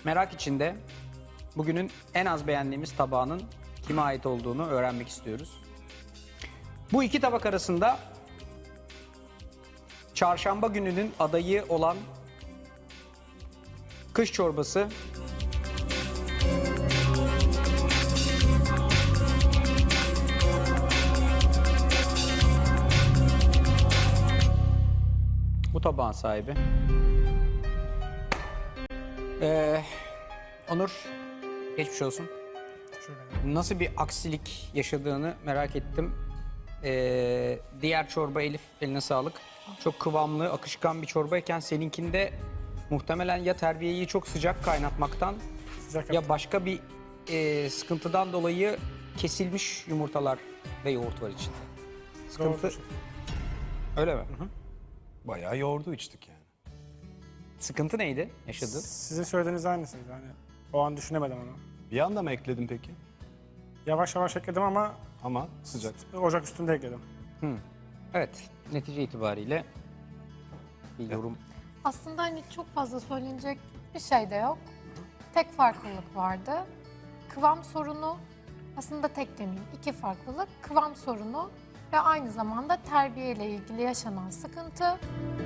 merak içinde bugünün en az beğendiğimiz tabağının kime ait olduğunu öğrenmek istiyoruz. Bu iki tabak arasında çarşamba gününün adayı olan kış çorbası bu tabağın sahibi. Onur, geçmiş olsun. Nasıl bir aksilik yaşadığını merak ettim. Diğer çorba Elif, eline sağlık. Çok kıvamlı, akışkan bir çorbayken seninkinde muhtemelen ya terbiyeyi çok sıcak kaynatmaktan ya başka bir sıkıntıdan dolayı kesilmiş yumurtalar ve yoğurt var içinde. Sıkıntı... Öyle mi? Hı hı. Bayağı yoğurdu içtik yani. Sıkıntı neydi yaşadığın? Sizin söylediğiniz aynısıydı. Hani o an düşünemedim onu. Bir anda mı ekledin peki? Yavaş yavaş ekledim ama Ama sıcak. ocak üstünde ekledim. Evet, netice itibariyle bir yorum. Aslında hani çok fazla söylenecek bir şey de yok. Tek farklılık vardı. Kıvam sorunu, aslında tek demeyeyim, iki farklılık. Kıvam sorunu ve aynı zamanda terbiye ile ilgili yaşanan sıkıntı.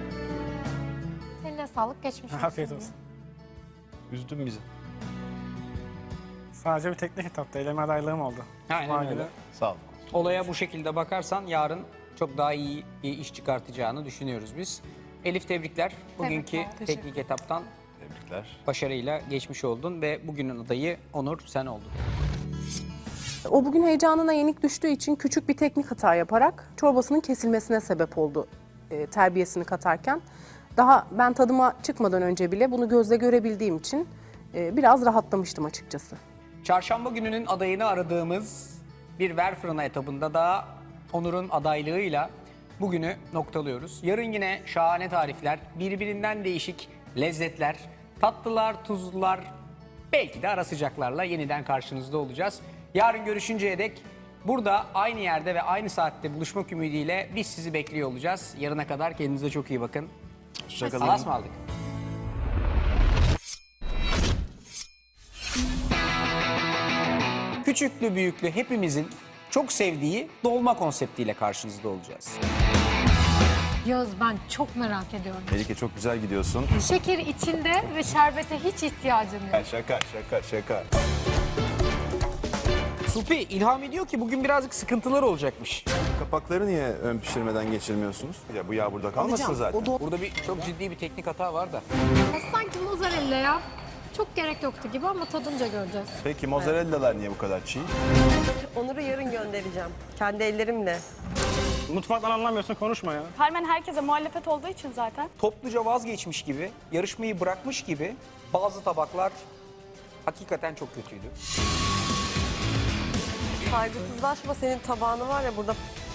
Eline sağlık, geçmiş olsun. Afiyet olsun. Üzdün bizi. Sadece bir teknik etapta eleme adaylığım oldu. Aynen Cuma öyle. günü. Sağ ol. Olaya bu şekilde bakarsan yarın çok daha iyi bir iş çıkartacağını düşünüyoruz biz. Elif, tebrikler. Bugünkü Tebrikler. teknik etaptan Tebrikler. başarıyla geçmiş oldun ve bugünün adayı Onur, sen oldun. O bugün heyecanına yenik düştüğü için küçük bir teknik hata yaparak çorbasının kesilmesine sebep oldu terbiyesini katarken. Daha ben tadıma çıkmadan önce bile bunu gözle görebildiğim için biraz rahatlamıştım açıkçası. Çarşamba gününün adayını aradığımız bir ver fırına etabında da Onur'un adaylığıyla bugünü noktalıyoruz. Yarın yine şahane tarifler, birbirinden değişik lezzetler, tatlılar, tuzlular, belki de ara sıcaklarla yeniden karşınızda olacağız. Yarın görüşünceye dek burada aynı yerde ve aynı saatte buluşmak ümidiyle biz sizi bekliyor olacağız. Yarına kadar kendinize çok iyi bakın. Hoşçakalın. Allah'a ısmarladık. Küçüklü büyüklü hepimizin çok sevdiği dolma konseptiyle karşınızda olacağız. Yağız, ben çok merak ediyorum. Melike çok güzel gidiyorsun. Şeker içinde ve şerbete hiç ihtiyacım yok. Şaka. Supi ilham ediyor ki bugün birazcık sıkıntılar olacakmış. Kapakları niye ön pişirmeden geçirmiyorsunuz? Ya bu yağ burada kalmasın zaten. Burada çok ciddi bir teknik hata var da. Sanki mozzarella ya. Çok gerek yoktu gibi ama tadınca göreceğiz. Peki mozzarellalar niye bu kadar çiğ? Onur'u yarın göndereceğim. Kendi ellerimle. Mutfaktan anlamıyorsun, konuşma ya. Carmen herkese muhalefet olduğu için zaten. Topluca vazgeçmiş gibi, yarışmayı bırakmış gibi bazı tabaklar hakikaten çok kötüydü. Saygısızlaşma, senin tabağını var ya burada.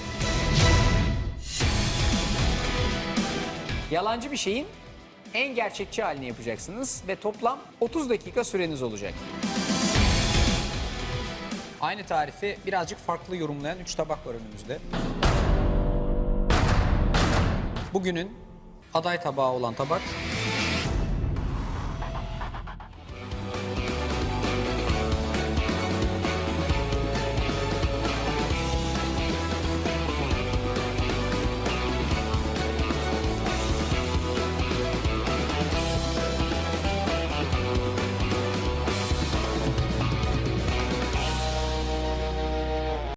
Yalancı bir şeyin en gerçekçi halini yapacaksınız ve toplam 30 dakika süreniz olacak. Aynı tarifi birazcık farklı yorumlayan 3 tabak var önümüzde. Bugünün aday tabağı olan tabak